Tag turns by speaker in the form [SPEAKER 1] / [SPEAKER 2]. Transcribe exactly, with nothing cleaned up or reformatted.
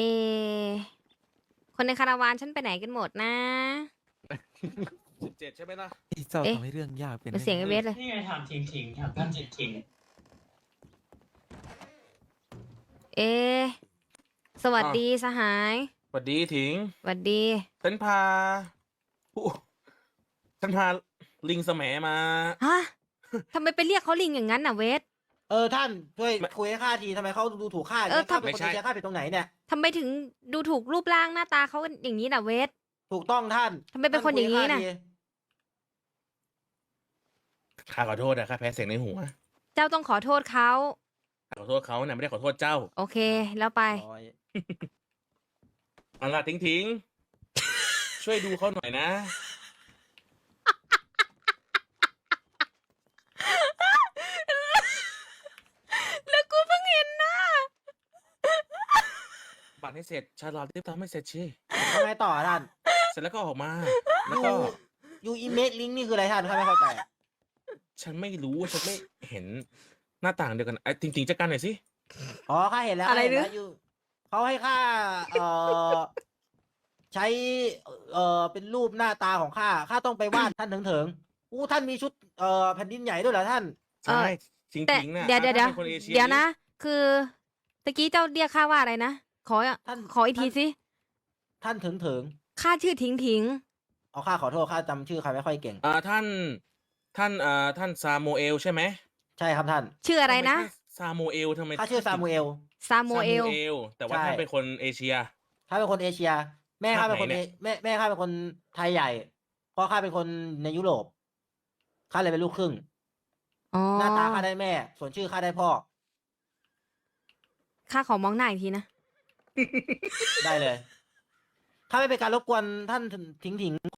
[SPEAKER 1] คนในคาราวานฉันไปไหนกันหมดนะ
[SPEAKER 2] สิบเจ็ดใช่ไหมล่ะ
[SPEAKER 3] ที่เจ้าทำให้เรื่องยากเป็น
[SPEAKER 1] เป็นเสียงไอเวสเลย
[SPEAKER 4] นี่ไงถามทิ้งทิ้งถามท่านทิ้งทิ้ง
[SPEAKER 1] เอ สวัสดีสหาย
[SPEAKER 2] สวัสดีถิง
[SPEAKER 1] สวัสดี
[SPEAKER 2] ฉันพาผู้ฉันพาลิงสมมา
[SPEAKER 1] ฮะ ทำไมไปเรียกเขาลิงอย่างนั้นน่ะเวส
[SPEAKER 5] เออท่านช่วยคุยให้ข้าทีทำไมเขาดูถูกข้า
[SPEAKER 1] เออ
[SPEAKER 5] ข้าเป็น
[SPEAKER 2] ไม่
[SPEAKER 5] คน
[SPEAKER 2] ใช่
[SPEAKER 5] เชียร์ข้าเป็นตรงไหนเนี่ย
[SPEAKER 1] ทำไมถึงดูถูกรูปร่างหน้าตาเขาอย่างนี้น่ะเวส
[SPEAKER 5] ถูกต้องท่าน
[SPEAKER 1] ทำไมเป็นคนอย่างนี้น่ะ
[SPEAKER 5] ท่คุให้ข้ที
[SPEAKER 2] ข้าขอโทษนะข้าแพ้เสียงในหัว
[SPEAKER 1] เจ้าต้องขอโทษเขา
[SPEAKER 2] ข้าขอโทษเขานะไม่ได้ขอโทษเจ้า
[SPEAKER 1] โอเค แล้วไป
[SPEAKER 5] โอ้ย
[SPEAKER 2] เอาล่ะทิ้งทิ้ง ช่วยดูเขาหน่อยนะ
[SPEAKER 1] แล้วกูเพิ่งเห็นหน้า
[SPEAKER 2] บัตรให้เสร็จชาลอตรีบทำให้เสร็จชี
[SPEAKER 5] ทำไงต่อท่าน
[SPEAKER 2] เสร็จแล้วก็ออกมา แล้วก็
[SPEAKER 5] ยูอีเมดลิงนี่คืออะไรท่านข้าไม่เข้าใจ
[SPEAKER 2] ฉันไม่รู้ฉันไม่เห็นหน้าต่างเดียวกันไอ้จริงๆจัดการหน่อยสิ
[SPEAKER 5] อ๋อข้าเห็นแล้ว
[SPEAKER 1] อะไร
[SPEAKER 5] ข้าเห็นแล้ว
[SPEAKER 1] นะ
[SPEAKER 5] ยูเขาให้ข้าเอ่อใช้เอ่อเป็นรูปหน้าตาของข้าข้าต้องไปวาด ท่านถึงถึงๆอู้ท่านมีชุดเอ่อแผ่นดินใหญ่ด้วยเหรอท่าน
[SPEAKER 2] ใช่จ
[SPEAKER 1] แต่
[SPEAKER 2] ริงๆนะ
[SPEAKER 1] เดี๋ยวเดี๋ยวเดี๋ยว
[SPEAKER 2] ถ้าเป็นคนอชี
[SPEAKER 1] เดี๋ยวนะ คือตะกี้เจ้าเรียกข้าว่าอะไรนะ ขอ
[SPEAKER 5] ท่าน
[SPEAKER 1] ขออีกที
[SPEAKER 5] ท่าน
[SPEAKER 1] สิ
[SPEAKER 5] ท่านถึงถึง
[SPEAKER 1] ข้าชื่อถิงถิง
[SPEAKER 5] ๆเอาข้าขอโทษข้าจำชื่อใครไม่ค่อยเก่ง
[SPEAKER 2] อ่าท่านท่านอ่าท่านซาโมเอลใช่ไหม
[SPEAKER 5] ใช่ครับท่าน
[SPEAKER 1] ชื่ออะไรนะ
[SPEAKER 2] ทำมท่าซาโมเอลทำไม
[SPEAKER 5] ข้าชื่อซามูเอล
[SPEAKER 1] ซาโมเอล
[SPEAKER 2] ซาลแต่ว่า
[SPEAKER 5] ใช่
[SPEAKER 2] ท่านเป็นคนเอเชีย
[SPEAKER 5] ข้าเป็นคนเอเชีย แม่ข้าเป็นคน
[SPEAKER 2] ภาคไหน
[SPEAKER 5] เอ
[SPEAKER 2] เนี่ย
[SPEAKER 5] แม่แม่ข้าเป็นคนไทยใหญ่พ่อข้าเป็นคนในยุโรปข้าเลยเป็นลูกครึ่ง
[SPEAKER 1] อ๋อ
[SPEAKER 5] หน้าตาข้าได้แม่ ส่วนชื่อข้าได้พ่อ
[SPEAKER 1] ข้าขอมองหน้าอีกทีนะ
[SPEAKER 5] ได้เลย ข้าไม่เป็นการรบกวนท่านถิงถิง